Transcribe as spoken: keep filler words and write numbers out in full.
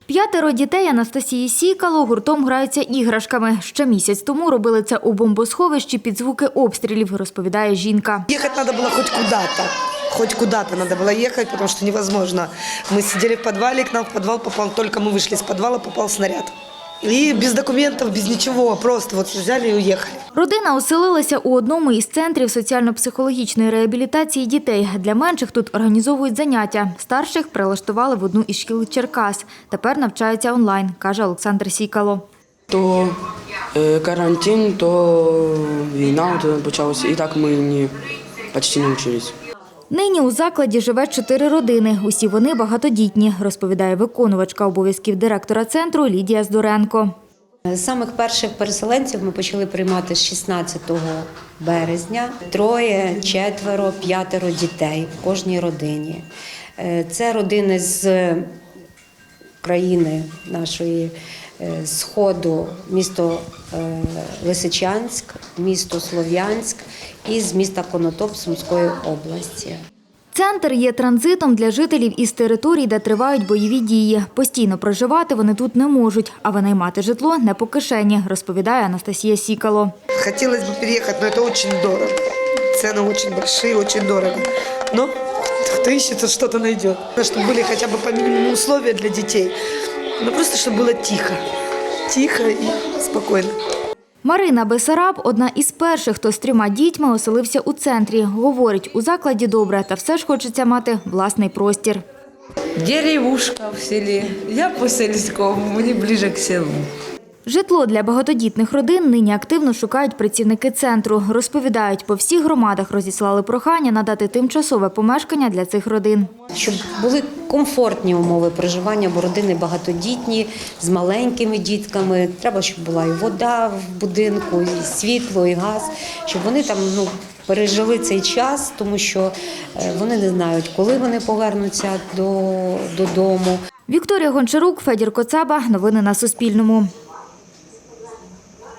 П'ятеро дітей Анастасії Сікало гуртом граються іграшками. Ще місяць тому робили це у бомбосховищі під звуки обстрілів, розповідає жінка. Їхати треба було хоч куди-то. Хоть куда-то надо было ехать, потому что невозможно. Мы сидели в подвале, к нам в подвал попал, только мы вышли из подвала, попал снаряд. І без документів, без нічого, просто от взяли і уїхали. Родина оселилася у одному із центрів соціально-психологічної реабілітації дітей. Для менших тут організовують заняття. Старших прилаштували в одну із шкіл Черкас. Тепер навчаються онлайн, каже Олександр Сікало. То е, карантин, то війна от почалася, і так ми не, почти не вчились. Нині у закладі живе чотири родини. Усі вони багатодітні, розповідає виконувачка обов'язків директора центру Лідія Здоренко. З самих перших переселенців ми почали приймати з шістнадцятого березня. Троє, четверо, п'ятеро дітей в кожній родині. Це родини з країни нашої Сходу, місто Лисичанськ, місто Слов'янськ і з міста Конотоп Сумської області. Центр є транзитом для жителів із територій, де тривають бойові дії. Постійно проживати вони тут не можуть, а винаймати житло не по кишені, розповідає Анастасія Сікало. Хотілося б переїхати, але це дуже дорого. Ціни дуже великі, дуже дорого. Но хто ищет, тот щось знайде. Щоб були хоча б по мінімуму умови для дітей. Ну просто щоб було тихо. Тихо і спокійно. Марина Бесараб – одна із перших, хто з трьома дітьми оселився у центрі. Говорить, у закладі добре, та все ж хочеться мати власний простір. Деревушка в селі. Я по сільському, мені ближче к селу. Житло для багатодітних родин нині активно шукають працівники центру. Розповідають, по всіх громадах розіслали прохання надати тимчасове помешкання для цих родин. Щоб були комфортні умови проживання, бо родини багатодітні, з маленькими дітками. Треба, щоб була і вода в будинку, і світло, і газ, щоб вони там ну, пережили цей час, тому що вони не знають, коли вони повернуться до, додому. Вікторія Гончарук, Федір Коцаба. Новини на Суспільному.